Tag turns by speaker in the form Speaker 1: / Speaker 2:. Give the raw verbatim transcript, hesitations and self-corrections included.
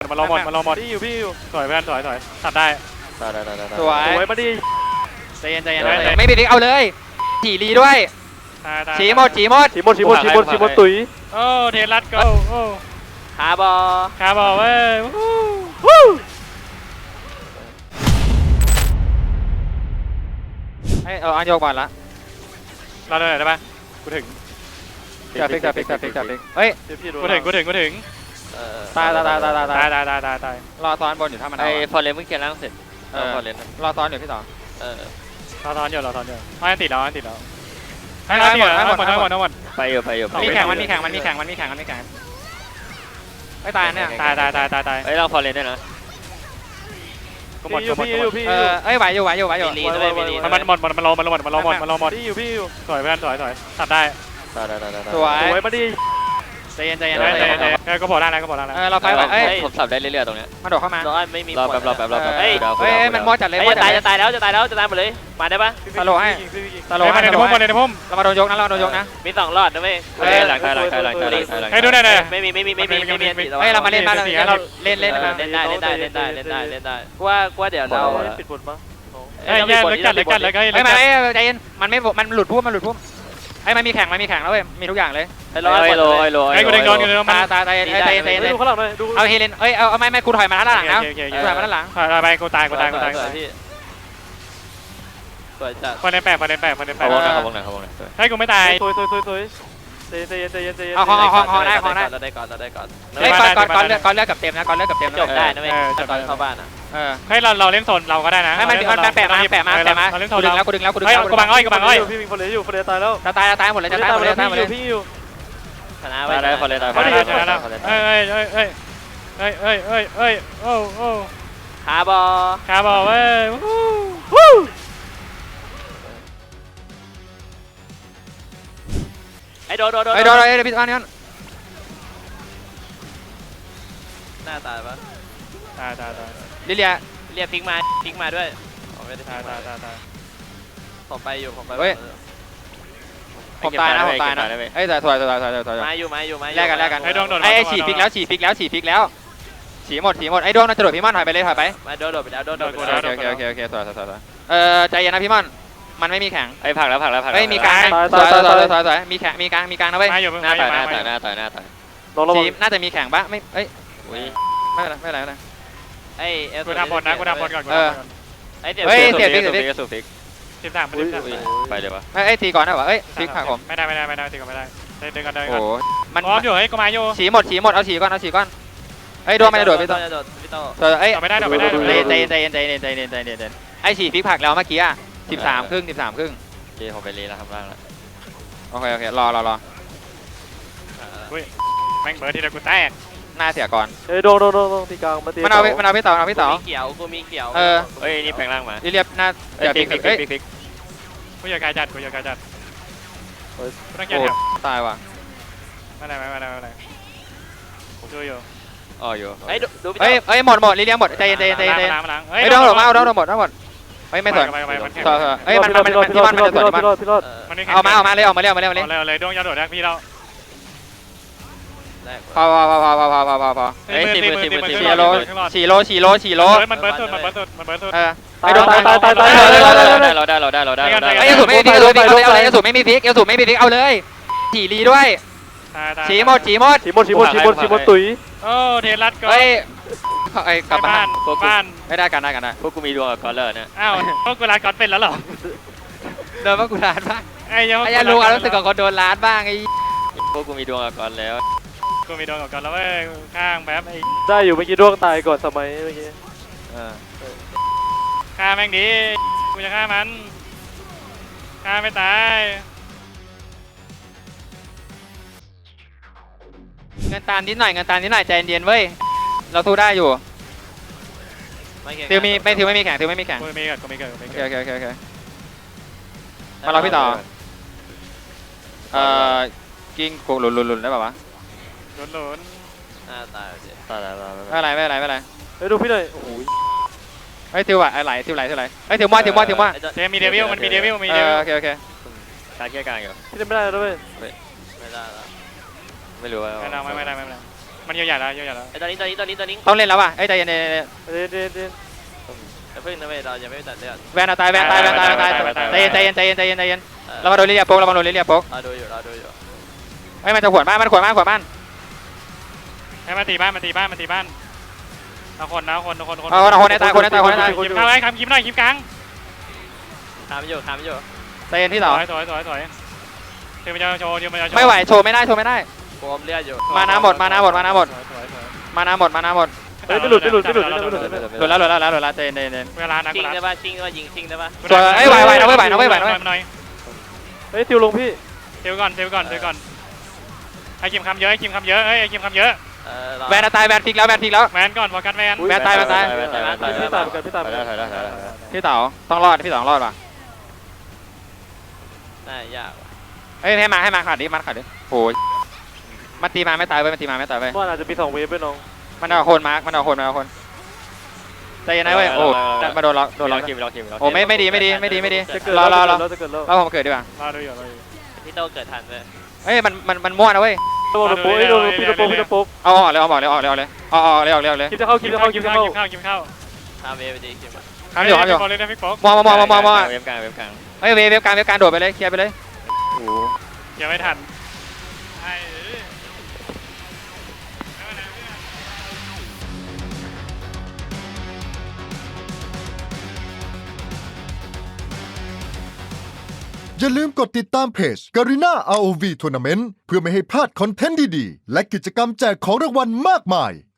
Speaker 1: มันรอหมดมันรอหมดพี่อยู่พี่อยู่ถอยเพื่อนถอยถอยตัดได้
Speaker 2: ได้ได้ได้
Speaker 3: สวย
Speaker 1: สวยมาดิ
Speaker 3: ใจเย็นใจเย็นไม่มีพลิกเอาเลยฉีรีด้วยฉีหมดฉีหมด
Speaker 1: ฉีหมดฉีหมดฉีหมดฉีหมดตุ๋ยโอ้เทลัดก็โอ้
Speaker 3: คาบอ
Speaker 1: คาบอเว้ย
Speaker 3: เฮ้ยเอาอันโยกก่อนละ
Speaker 1: เราได้ได้ปะกูถึง
Speaker 3: จับพลิกจับพลิกจับพลิกจับพลิกเฮ้ย
Speaker 1: กูถึงกูถึงกูถึง
Speaker 3: ตายตายตายตายตาย
Speaker 1: ตายตายตายตาย
Speaker 3: รอซ้อนบนอยู่ถ้ามัน
Speaker 2: ไอ้ฟอร์เรนเพิ่งเคลียร์ล่างเสร็จเออฟอร์เรน
Speaker 3: รอซ้อนอยู่พี่ต่อ
Speaker 2: เออ
Speaker 1: รอซ้อนอยู่รอซ้อนอยู่ไม่ติดแล้วไม่ติดแล้วให้หมดให้หมดให้หมดให้หมด
Speaker 2: ไปอยู่ไปอยู่
Speaker 3: มีแข่งมันมีแข่งมันมีแข่งมันมีแข่งมันมีแข่งไม่ตายเนี่ย
Speaker 1: ตายตายตายตายตาย
Speaker 2: เฮ้ยเราฟอร์เรนได้นะ
Speaker 1: ก็หมดก็หมดก็หมด
Speaker 3: เออเอ้ยไหวอยู่ไหวอยู่ไหวอยู่
Speaker 1: มันมันหมดมันมันรอมันรอหมดมันรอหมดมันรอหมดพี่อยู่พี่อยู่ถอยเพื่อนถอยถอยตัดได้
Speaker 2: ได้ได้ได้
Speaker 3: สวย
Speaker 1: สวยมาดิ
Speaker 3: ใจเย็นใจเย็น
Speaker 1: เออก็พอได้แล้วก็พอได้แล้ว
Speaker 3: เออเราไฟไหวเอ้ย
Speaker 2: ผมสับได้เรื่อยๆตรงเนี้ย
Speaker 3: มาโดดเข้ามา
Speaker 2: ไม่มีรอแป๊บรอแป๊บรอแป๊บ
Speaker 3: เฮ้ยเฮ้ยมันมอจัดเลย
Speaker 2: จะตายจะตายแล้วจะตายแล้วจะตายหมดเลยมาได้ปะ
Speaker 3: ตลกให้ตลก
Speaker 1: ให้ในพุ่มในพุ่ม
Speaker 3: เรามาโดนยกนะเราโดนยกนะ
Speaker 2: มีสองรอดนะเว้ย
Speaker 3: เฮ้ย
Speaker 2: หลังใครหลังใครหลังใครหลังใครหลัง
Speaker 1: ให้ดูได้เลย
Speaker 2: ไม่มีไม่มีไม่มีไม่มี
Speaker 3: เฮ้ยเรามาเล่นบ้านเราเราเล่นเล่น
Speaker 2: เล่นได้เล่นได้เล่นได้เล่นได้เล่นได้ว่าว่าเดี๋ยวเรา
Speaker 1: ปิดบทมั้งเฮ้ยเลิกกันเลิกกันเลิกกัน
Speaker 3: เฮ้ยมันใจเย็นมันไม่มันหลุดพุ่มมันหลุดพุ่มไอ้มันมีแข่งมันมีแข่งแล้วเว้ยมีทุกอย่างเลย
Speaker 2: ไอ้โลไอ้โลไอ้โล
Speaker 1: ไอ้กูเด้งโดนกูเด้ง
Speaker 3: ตาตาตาใจใจใจ
Speaker 1: ดูข้างหลังเลยดู
Speaker 3: เอาเฮเลนเอ้ยเอาไม่ไม่กูถอยมาด้านหลังนะถอยมาด้านหลัง
Speaker 1: ถอยไปกูตายกูตายกูตาย
Speaker 2: พี่สวยจัด
Speaker 1: คนในแปดคนในแปดคนในแปด
Speaker 2: เขาวงไหนเขาวงไหนเขาวงไหน
Speaker 1: ให้กูไม่ตายตุยตุยตุยตุยใจเย็นใจเย็นใจเย็น
Speaker 3: เอาห้องห้องห้องได้ห้องได้
Speaker 2: เราได้ก่อนเราได้ก่อน
Speaker 3: เฮ้ยก่อนก่อนก่อนเลือกก่อนเลือกกับเต็มนะก่อนเลือกกับเต็ม
Speaker 2: จบได้นะเว้ยตอนเข้าบ้านอ่ะ
Speaker 3: เออ
Speaker 1: ให้เราเราเล่นโซนเราก็ได้นะ
Speaker 3: ให้มันมันแปะมาแปะมาแปะมากูดึงแล้วกูดึงแล้วกูดึงแล้ว
Speaker 1: กูบังอ้อยกูบังอ้อยพี่มีคนเหลืออยู่คนเหลือตายแล้ว
Speaker 3: จะตายจะตายหมดเลยจะตายหมดเลยตายหมดเลย
Speaker 1: พี่อยู่
Speaker 2: ชนะไปได้คนเลยตาย
Speaker 1: คนเลยชนะแล้วเฮ้ยเฮ้ยเฮ้ยเฮ้ยเฮ้ยเฮ้ยเฮ้ยโอ้โอ้
Speaker 2: คาบอ
Speaker 1: คาบอเว้ยวู้
Speaker 2: ไอ้โดโดโด
Speaker 3: ไอ้โดไอ้พี่อันนี้
Speaker 2: หน้าตายปะ
Speaker 1: ตายตายตาย
Speaker 3: ลิเลีย
Speaker 2: เรียกพิกมาพิกมาด้วย
Speaker 1: ตายตายตายตาย
Speaker 2: ผมไปอยู่ผมไป
Speaker 3: เฮ้ยผมตายนะผมตายนะเอ้ยแต่ถอยถอยถอยถอยถอย
Speaker 2: มาอยู่มาอยู่มา
Speaker 3: แลกกันแลกกัน
Speaker 1: ไอ้ดวงโดน
Speaker 3: ไอ้ฉีดพิกแล้วฉีดพิกแล้วฉีดพิกแล้วฉีดหมดฉีดหมดไอ้ดวงน่าจะโดดพี่ม่อนถอยไปเลยถอยไป
Speaker 2: มาโดนโดดไปแล้วโดนโดดไป
Speaker 3: แล้วโอเคโอเคโอเคถอยถอยถอยเออใจเย็นนะพี่ม่อนมันไม่มีแข่ง
Speaker 2: ไอ้ผักแล้วผักแล้วผัก
Speaker 3: เฮ้ยมีกลางถอยถอยถอยถอยถอยมีแข่งมีกลางมีกลางนะเว้ย
Speaker 2: หน้าต่อยหน้าต่อยหน้าต่อยหน้าต่อย
Speaker 3: ทีมน่าจะมีแข่งปะไม่เอ้ยไม่เป็นไรไม่เป็นไรไม่เป็นไร
Speaker 2: ไอ้เอล
Speaker 1: กูทำบอลนะกูทำบอลก่อน
Speaker 3: เออ
Speaker 2: ไอ้เดี๋ยว
Speaker 3: เฮ้ยเสียบ
Speaker 2: ฟิก
Speaker 3: เสียบฟิก
Speaker 2: สูฟิก
Speaker 1: สิบสามสิบสาม
Speaker 2: ไปเลยวะ
Speaker 3: ไม่ไอ้ตีก่อนนะวะเอ้ยฟิกผักผม
Speaker 1: ไม่ได้ไม่ได้ไม่ได้ตีก่อนไม่ได้เดินกันเดินกัน
Speaker 3: โอ้
Speaker 1: มันพร้อมอยู่เฮ้ยกูมาอยู่
Speaker 3: ฉีหมดฉีหมดเอาฉีก่อนเอาฉีก่อนไอ้โดนไม่ได้โดดพี่โต
Speaker 2: พี่โต
Speaker 3: เอ้ย
Speaker 1: ไม่ได้ไม่ได้
Speaker 3: ใจเย็นใจเย็นใจเย็นใจเย็นใจเย็นใจเย็นไอ้ฉีฟิกผักแล้วเมื่อกี้อ่ะสิบสามครึ่งสิบสามครึ่ง
Speaker 2: รีผมไปรีแล้วทำร่างแล้ว
Speaker 3: โอเคโอเครอรอรอ
Speaker 1: แม่งเบิร์ดทีละกูแตก
Speaker 3: หน้าเสียก่อน
Speaker 1: เอ้ยโดนโดนโดนตีกลางมาตี
Speaker 3: มันเอามันเอาพี่เต๋อเอาพี่เต๋อ
Speaker 2: เขียวกูมีเขียว
Speaker 3: เออ
Speaker 2: เฮ้ยนี่แปลงร่างมา
Speaker 3: เรียบหน้าเดี๋ยวฟิกฟิกฟิกฟิก
Speaker 1: กูอยากการจัดกูอยากการจัดโอ้
Speaker 3: ตายว่ะ
Speaker 1: ไม่ได้ไม่ได้ไม่ได้ผมช่วยอยู่
Speaker 2: อ๋ออยู่
Speaker 3: เฮ้ยดูเฮ้ยเฮ้ยหมดหมดลิเลียหมดใจเย็นใจเย็นใจเย็นเฮ้ยโดนหมดมาเอาโดนหมดทั้งหมดเฮ้ยไม่สนต่อเฮ้ยมันมันมันที่มันมันจะสนที่มันเอามาเอามาเลยเอามาเลยเอามาเลยเอามาเลย
Speaker 1: เอาเลยดวงยาโดดแรกพี่เรา
Speaker 3: พอพอพอพอพอพอพอพอพอ
Speaker 2: เฮ้ยสี่มือสี่มือ
Speaker 3: สี่โลสี่โลสี่โลสี่โล
Speaker 1: มันเบิร์ดสุดมันเบิร์ดสุดมันเบิร์ดสุด
Speaker 3: เออไอ้โดนตายตายตายตาย
Speaker 2: เราได้เราได้เราได้เราได้
Speaker 3: ไอ้เอลสูไม่มีพิกเอาเลยเอาเลยเอลสูไม่มีพิกเอลสูไม่มีพิกเอาเลยฉีรีด้วยฉีหมดฉีหมด
Speaker 1: ฉีหมดฉีหมดฉีหมดฉีหมดตุ๋ยโอ้เทลัดก็
Speaker 3: เฮ้ยไอ้กลับบ้าน
Speaker 1: บ้าน
Speaker 3: ไม่ได้กันได้กันได้
Speaker 2: พวกกูมีดวงกับกอลเลอร์เนี่ย
Speaker 1: อ้าวพวกกูร้านก๊อตเป็นแล้วหรอ
Speaker 3: โดนพวกกูร้านบ้าง
Speaker 1: ไอ้ยัง
Speaker 3: ไอ้ยังรู้ความรู้สึกของคนโดนร้านบ้างไอ้
Speaker 2: พวกกูมีดวงกับกอลแล้ว
Speaker 1: กูมีดวงกับกอลแล้วเว้ยข้างแบบไอ้ได้อยู่เมื่อกี้ดวงตายก่อนสมัยเมื่อกี้ฆ่าแม่งดีกูจะฆ่ามันฆ่าไม่ตาย
Speaker 3: เงินตามนิดหน่อยเงินตามนิดหน่อยใจเย็นเว้ยเราสู้ได้อยู่ทิวมีไม่ทิวไม่มีแข่งทิวไม่มีแข่ง
Speaker 1: กูมีเกิดกูมีเกิดกูมีเกิ
Speaker 3: ดโอเคโอเคโอเคมาเราพี่ต่อเอ่อกิ้งกูหลุนหลุนหลุนได้ป่าวะ
Speaker 1: หลุนหลุน
Speaker 2: อ่าตายตายตายตาย
Speaker 3: ไม่อะไรไม่อะไรไม่อะไร
Speaker 1: เฮ้ยดูพี่เลยโอ้โห
Speaker 3: เฮ้ยทิวอะไหลทิวไหลทิวไหลเฮ้ยทิวมั่วทิวมั่วทิวมั่ว
Speaker 1: เจมีเดวิลมันมีเดวิลมีเดวิล
Speaker 3: โอเคโอเค
Speaker 2: การแก้การอยู่
Speaker 1: พี่ไม่ได้แล้วเว้ย
Speaker 2: ไม่ได้แล้วไม่รู้ว่า
Speaker 1: ไม่ได้ไม่ได้ไม่ได้ไม่มันเยอะใหญ่แล้วเยอะใหญ่แล้ว
Speaker 2: ไอ้ตอนนี้ตอนนี้ตอนนี้ตอนนี้
Speaker 3: ต้องเล่นแล้วว่ะเอ้ยใจเย็น
Speaker 1: เดี๋ยวเดี๋ยวเดี๋ยว
Speaker 2: จะพึ่งนะเว้ยเรายังไม่ตัดเลือด
Speaker 3: แวนตายแวนตายแวนตายแวนตายใจเย็นใจเย็นใจเย็นใจเย็นใจเย็นเรามาโดนลิเลียโป๊กเรามาโดนลิเลียโป๊ก
Speaker 2: เราดูอยู่เราดูอยู่
Speaker 3: เฮ้ยมันจะขวนบ้านมันขวนบ้านขวนบ้าน
Speaker 1: ให้มาตีบ้านมาตีบ้านมาตีบ้านเอาคนนะคนคนคน
Speaker 3: เอาคนคนให้ตายคนให้ตายคนให้ตาย
Speaker 1: คิมเข้าไอ้คำคิมหน่อยคิมกลาง
Speaker 2: ทำอยู่ทำอยู่
Speaker 3: ใจเย็นที่
Speaker 1: ส
Speaker 3: สอง
Speaker 1: วยสวยสวยสวยเดี๋ยวมันจะโชว์เดี๋ยวมันจะโชว์
Speaker 3: ไม่ไหวโชว์ไม่ได้โชว์ไม่ได้
Speaker 2: โกมเลือดอยู่
Speaker 3: มาน้ำหมดมาน้ำหมดมาน้ำหมด
Speaker 1: สวยสวยสวย
Speaker 3: มาน้ำหมดมาน้ำหมด
Speaker 1: เฮ้ยไม่หลุดไม่หลุดไม่หลุดไม่หลุดไม่หลุด
Speaker 3: หลุดแล้วหลุดแล้วหลุดแล้วหลุดแล้วใจเย็นใจเย็น
Speaker 1: เวลานัก
Speaker 2: ชิง
Speaker 1: เว
Speaker 2: ได้
Speaker 1: ลา
Speaker 2: ป่ะชิงได้ป่ะยิงชิงได้ป่ะ
Speaker 3: สวยเอ้ยไหวไหวนะเว้ยไหวนะเว้ยไหวนะเว้ย
Speaker 1: หน่อย
Speaker 4: เฮ้ยติวลงพี่
Speaker 1: เดี๋ยวก่อนเดี๋ยวก่อนเดี๋ยวก่อนไอ้คิมคำเยอะไอ้คิมคำเยอะเอ้ยไอ้คิมคำเยอะ
Speaker 2: เออ
Speaker 3: แวนตายแวนพลิกแล้วแวนพลิกแล้ว
Speaker 1: แมนก่อนโฟกัสแมน
Speaker 3: แวนตายแวนตาย
Speaker 4: พี่ตายเหมือนกันพี่ตายเหมือนกัน
Speaker 3: พี่เต๋าต้องรอดพี่เต๋าต้องรอดว่ะ
Speaker 2: น่ายากว่ะ
Speaker 3: เอ้ยให้มาให้มาขาดดิมันขาดดิโอ้ยมันตีมาไม่ตายเว้ยมันตีมาไม่ตายเว้ย
Speaker 4: ว่าอาจจะมีสองเวฟด้วยน้อง
Speaker 3: มันเอาคนมาร์กมันเอาคนมันเอาคนใจเย็นนะเว้ยโอ้มาโดนล็อกโดนล็อก
Speaker 2: คิมรอคิมรอ
Speaker 3: โอ้ไม่ไม่ดีไม่ดีไม่ดีไม่ดี
Speaker 4: จะเกิด
Speaker 3: รอรอรอ
Speaker 4: แล้วจะเกิดแล้ว
Speaker 3: เราผมเกิดดีกว่า
Speaker 1: รอดูอยู่รอดู
Speaker 2: พี่โตเกิดทันเลย
Speaker 3: เอ้ยมันมันมันมั่วนะเว้ย
Speaker 4: โดนโป๊ะโดนพี่ตะโป๊ะพี่ตะโป๊ะ
Speaker 3: เอาออกเลยเอาออกเลยเอาออกเลยเอาเลยเอาออกเลยเอาเลยเอาเลย
Speaker 4: คิดจะเข้าคิดจะเข้าคิ
Speaker 1: คิ
Speaker 4: ด
Speaker 1: ม
Speaker 4: จะ
Speaker 1: เข้า
Speaker 4: เข้า
Speaker 1: คิมเข้าคิมเข้า
Speaker 2: ทำเอไปดีคิม
Speaker 3: ทำอยู่ทำอยู่
Speaker 1: เลยนะพี่โป๊ก
Speaker 3: มองมองมองมองมอง
Speaker 2: เว็บกลางเว็บกลาง
Speaker 3: เฮ้ยเวฟเวฟการเวฟการโดดไปเลยเคลียร์ไปเลย
Speaker 1: ยังไม่ทันไอ้
Speaker 5: อย่าลืมกดติดตามเพจ Garena อาร์ โอ วี Tournament เพื่อไม่ให้พลาดคอนเทนต์ดีๆ และกิจกรรมแจกของรางวัลมากมาย